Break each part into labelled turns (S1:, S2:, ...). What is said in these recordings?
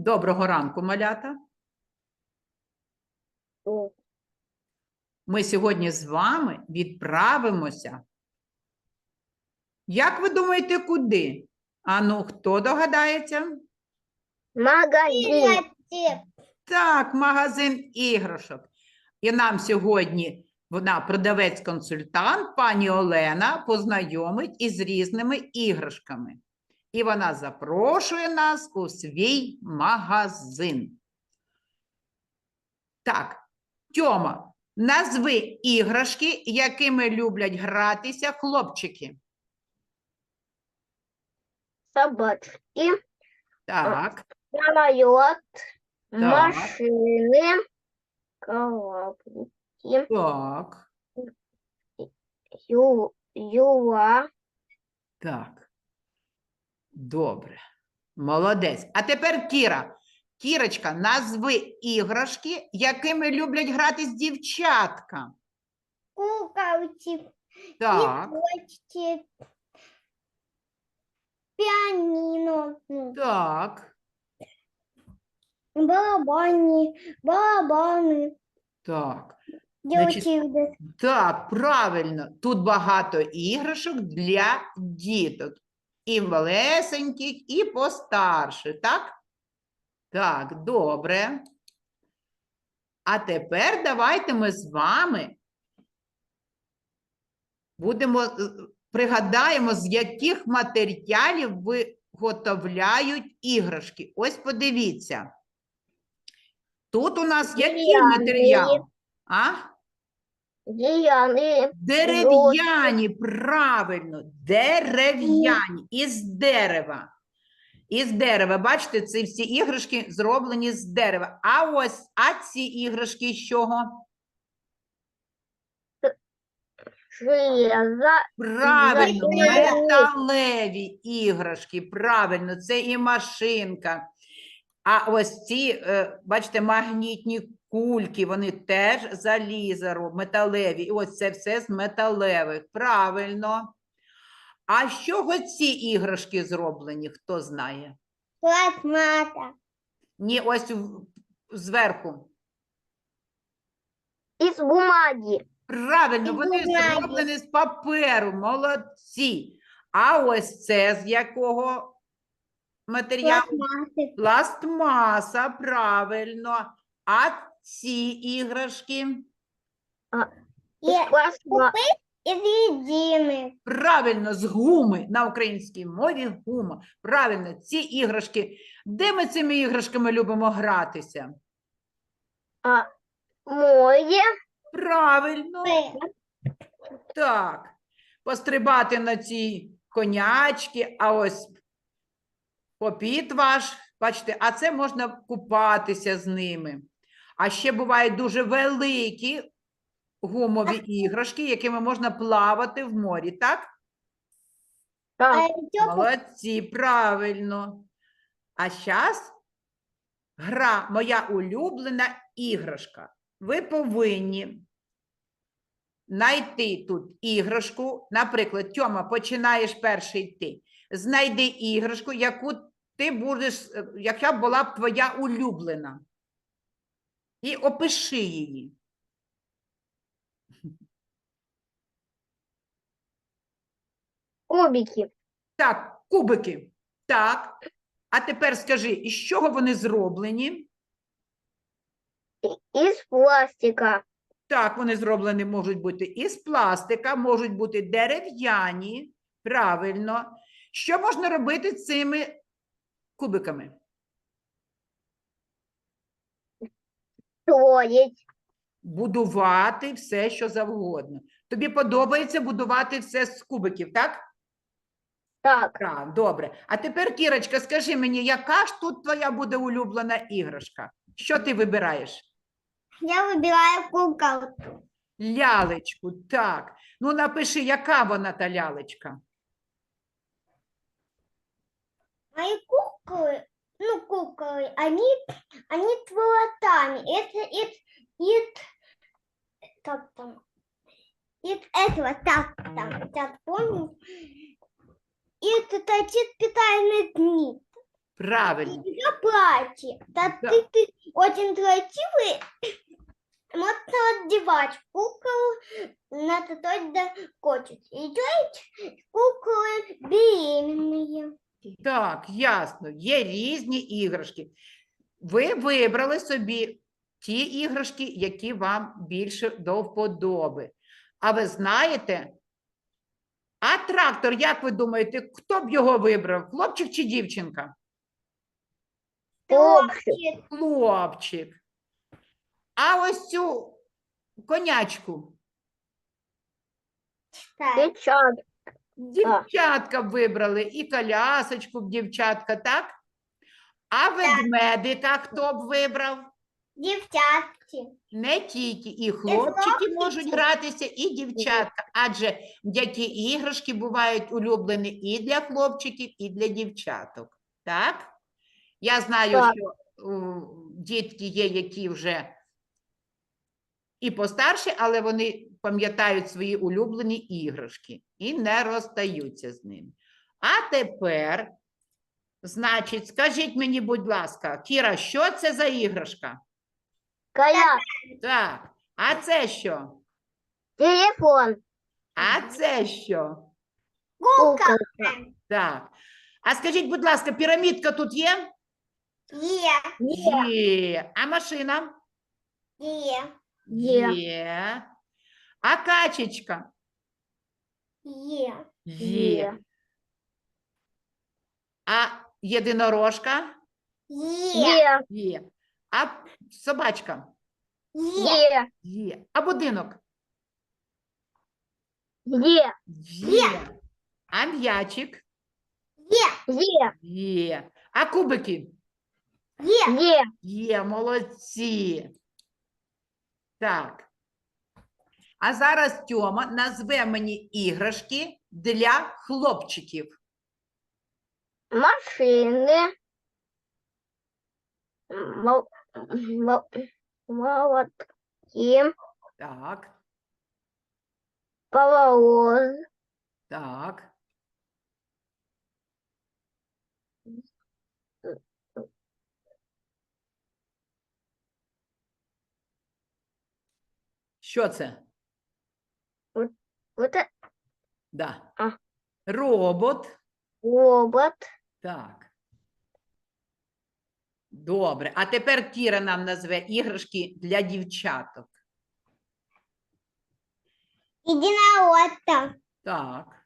S1: Доброго ранку, малята. Ми сьогодні з вами відправимося. Як ви думаєте, куди? Ану, хто догадається?
S2: Магазин.
S1: Так, магазин іграшок. І нам сьогодні вона, продавець-консультант, пані Олена, познайомить із різними іграшками. І вона запрошує нас у свій магазин. Так, Тьома, назви іграшки, якими люблять гратися хлопчики.
S2: Собачки.
S1: Так,
S2: Самолет.
S1: Так.
S2: Машины. Коробки.
S1: так,
S2: Юла.
S1: так. Добре. Молодець. А тепер Кіра. Кірочка, назви іграшки, якими люблять гратись дівчатка.
S2: Куколки.
S1: Так,
S2: Игрушки. Пианино.
S1: так,
S2: Барабаны.
S1: так.
S2: Девочки.
S1: Так, правильно. Тут багато іграшок для діток. І малесеньких, і постарше, так? Так, добре. А тепер давайте ми з вами пригадаємо, з яких матеріалів виготовляють іграшки. Ось подивіться. Тут у нас який
S2: Дерев'яні.
S1: матеріал? А?
S2: Деревянные.
S1: Дерев'яні, правильно, дерев'яні, із дерева. Із дерева, бачите, ці всі іграшки зроблені з дерева. А ці іграшки з чого?
S2: Железо.
S1: Правильно,
S2: Металеві.
S1: металеві іграшки, правильно, це і машинка. А ось ці, бачите, магнітні кульки, вони теж залізо, металеві. І ось це все з металевих, правильно. А з чого ці іграшки зроблені, хто знає?
S2: Пластмасса.
S1: Ні, ось зверху.
S2: Из бумаги.
S1: Правильно,
S2: Із
S1: вони
S2: бумаги.
S1: зроблені з паперу, молодці. А ось це з якого матеріалу?
S2: Пластмассы.
S1: Пластмаса, правильно. А ці іграшки?
S2: Из пластмассы. Из резины.
S1: Правильно, з гуми, на українській мові гума. Правильно, ці іграшки. Де ми цими іграшками любимо гратися?
S2: Море.
S1: Правильно. Так, пострибати на ці конячки, а ось попіт ваш, бачите, а це можна купатися з ними. А ще бувають дуже великі гумові іграшки, якими можна плавати в морі, так?
S2: Так.
S1: Молодці, правильно. А зараз гра «Моя улюблена іграшка». Ви повинні знайти тут іграшку. Наприклад, Тьома, починаєш перший ти. Знайди іграшку, яку ти будеш, яка була б твоя улюблена. І опиши її.
S2: Кубики.
S1: Так, кубики. Так. А тепер скажи, із чого вони зроблені?
S2: Из пластика.
S1: Так, вони зроблені можуть бути із пластика, можуть бути дерев'яні. Правильно. Що можна робити з цими кубиками?
S2: Строить.
S1: Будувати все, що завгодно. Тобі подобається будувати все з кубиків, так?
S2: Так.
S1: Так, добре. А тепер, Кірочка, скажи мені, яка ж тут твоя буде улюблена іграшка? Що ти вибираєш?
S2: Я выбираю куколку.
S1: Лялечку, так. Ну, напиши, яка вона та лялечка?
S2: Мои куклы, они с волосами. Как там? Из этого, так, помню. И это торчит специальный нить.
S1: Правильно.
S2: И еще платье. Да
S1: Да.
S2: ты очень красивый. Можно одевать куклу на той да хочет. И делать куклы беременные.
S1: Так, ясно. Є різні іграшки. Ви вибрали собі ті іграшки, які вам більше до вподоби. А ви знаєте, а трактор, як ви думаєте, хто б його вибрав? Хлопчик чи дівчинка?
S2: Хлопчик.
S1: Хлопчик. А ось цю конячку
S2: Так.
S1: дівчатка б вибрали, і колясочку б дівчатка, так? А ведмедика хто б вибрав?
S2: Дівчатки.
S1: Не тільки і хлопчики можуть
S2: хлопчики.
S1: гратися, і дівчатка, адже які іграшки бувають улюблені і для хлопчиків, і для дівчаток. Так? Я знаю,
S3: Так.
S1: що дітки є, які вже і постарші, але вони пам'ятають свої улюблені іграшки і не розстаються з ними. А тепер, значить, скажіть мені, будь ласка, Кіра, що це за іграшка?
S3: Коляска.
S1: Так, а це що?
S3: Телефон.
S1: А це що?
S2: Куколка.
S1: Так. А скажіть, будь ласка, пірамідка тут є?
S2: Є.
S1: Є. А машина?
S2: Є.
S1: Є. А качечка?
S2: Є.
S1: Є. А єдинорожка?
S2: Є.
S1: Є. А собачка?
S2: Є.
S1: Є. А будинок? Є. А м'ячик? Є. А кубики?
S2: Є.
S1: Є, молодці. Так. А зараз Тьома назве мені іграшки для хлопчиків.
S3: Машины. Молотки.
S1: Так,
S3: Паровоз.
S1: так. Що це?
S3: Вот это
S1: Да.
S3: А.
S1: Робот.
S3: робот.
S1: Так. Добре. А тепер Кіра нам назве іграшки для дівчаток.
S2: Единородка.
S1: Так.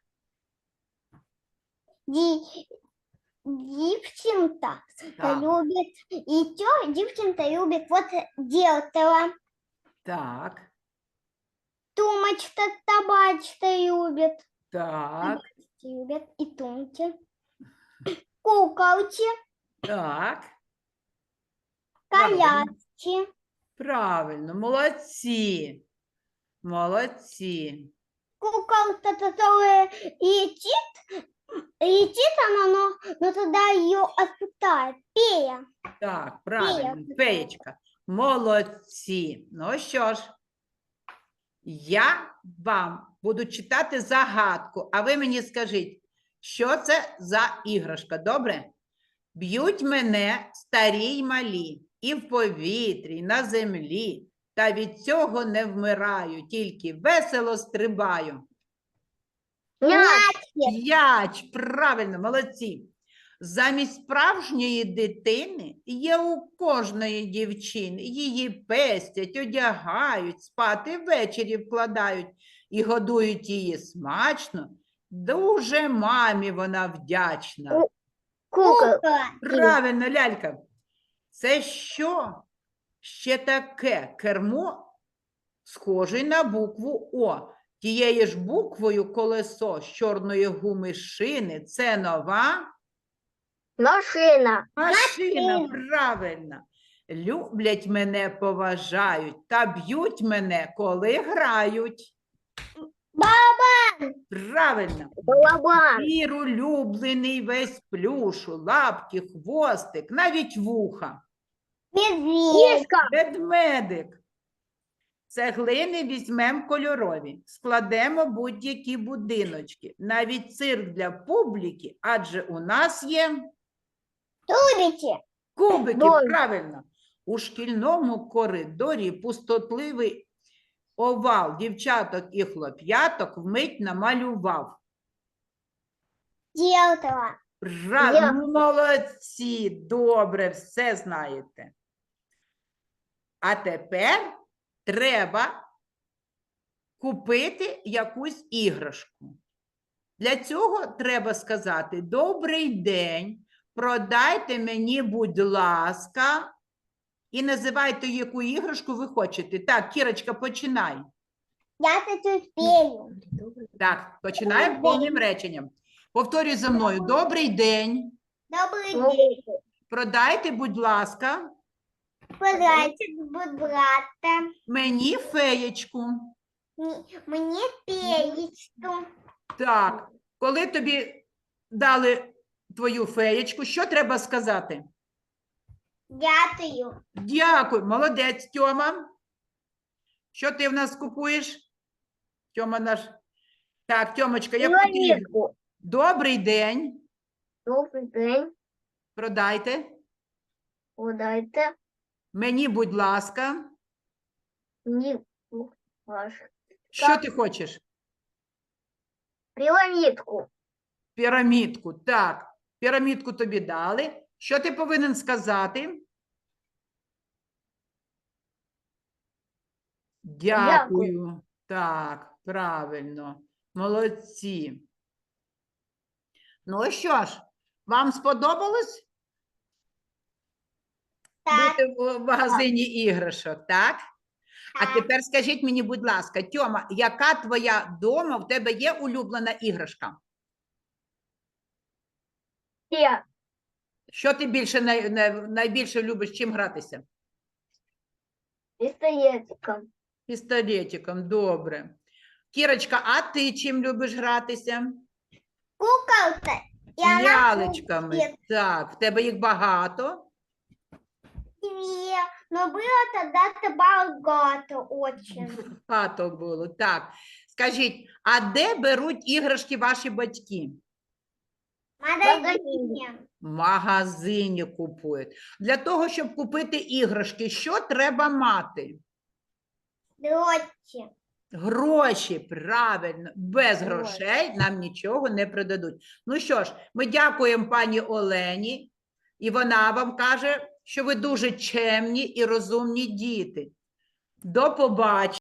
S2: Дівчинка
S1: Так.
S2: любит. И девчонка любит вот делала.
S1: Так.
S2: Тумочка, табачка любит.
S1: Так.
S2: Любят и тумки. Куколки,
S1: Так. Правильно.
S2: коляски.
S1: Правильно. Молодці. Молодці.
S2: Куколка, которая летит она, но тогда ее отпускает. Фея.
S1: Так, правильно. Феєчка. Молодці. Ну що ж, я вам буду читати загадку, а ви мені скажіть, що це за іграшка, добре? Б'ють мене старі й малі, і в повітрі, і на землі, та від цього не вмираю, тільки весело стрибаю. М'яч, правильно, молодці. Замість справжньої дитини є у кожної дівчини. Її пестять, одягають, спати ввечері вкладають і годують її смачно. Дуже мамі вона вдячна.
S3: Кукла.
S1: Правильно, лялька. Це що ще таке? Кермо схожий на букву О. Тією ж буквою колесо з чорної гуми шини. Це нова
S3: Машина.
S1: машина. Правильно. Люблять мене, поважають та б'ють мене, коли грають. Правильно.
S3: Барабан.
S1: Звір улюблений весь плюшу, лапки, хвостик, навіть вуха.
S2: Медведь.
S3: Киска.
S1: Ведмедик. Цеглини візьмемо кольорові, складемо будь-які будиночки, навіть цирк для публіки, адже у нас є
S2: Любите.
S1: Кубиків,
S3: Домик.
S1: правильно. У шкільному коридорі пустотливий овал дівчаток і хлоп'яток вмить намалював.
S2: Ділтова.
S3: Я.
S1: Ну, молодці, добре, все знаєте. А тепер треба купити якусь іграшку. Для цього треба сказати: «Добрий день, продайте мені, будь ласка», і називайте, яку іграшку ви хочете. Так, Кірочка, починай.
S2: Я це успію.
S1: Так, починаємо
S2: Добрий
S1: повним реченням. Повторюй за мною. Добрий день,
S2: Добрий день.
S1: продайте, будь ласка,
S2: Подайте, будь ласка,
S1: мені феєчку.
S2: мені пеєчку.
S1: Так, коли тобі дали твою феєчку, що треба сказати?
S2: Дякую.
S1: Дякую, молодець, Тьома. Що ти в нас купуєш? Тьома наш. Так, Тьомочка, я потрібна.
S3: Пірамідку.
S1: Добрий день.
S3: Добрий день.
S1: Продайте.
S3: Подайте
S1: Мені, будь ласка.
S3: мені ваш
S1: Що ти хочеш?
S3: пірамідку.
S1: Пірамідку. Так, пірамідку тобі дали. Що ти повинен сказати? Дякую. Так, правильно. Молодці. Ну що ж, вам сподобалось
S2: Так,
S1: бути в магазині іграшок, так? А
S2: так.
S1: тепер скажіть мені, будь ласка, Тьома, яка твоя дома, в тебе є улюблена іграшка?
S3: Я.
S1: Що ти більше найбільше любиш чим гратися?
S3: Пістолетиком.
S1: Пістолетиком, добре. Кірочка, а ти чим любиш гратися?
S2: Куколка. І вона
S1: Лялечками.
S2: куколки.
S1: Так, в тебе їх багато.
S2: Две. Но было тогда-то багато очень.
S1: Багато було, так. Скажіть, а де беруть іграшки ваші батьки?
S2: Магазине.
S1: В магазині купують. Для того, щоб купити іграшки, що треба мати?
S2: Дрочі.
S1: Гроші, правильно. Без
S3: Гроші.
S1: грошей нам нічого не продадуть. Ну що ж, ми дякуємо пані Олені, і вона вам каже, що ви дуже чемні і розумні діти. До побачення.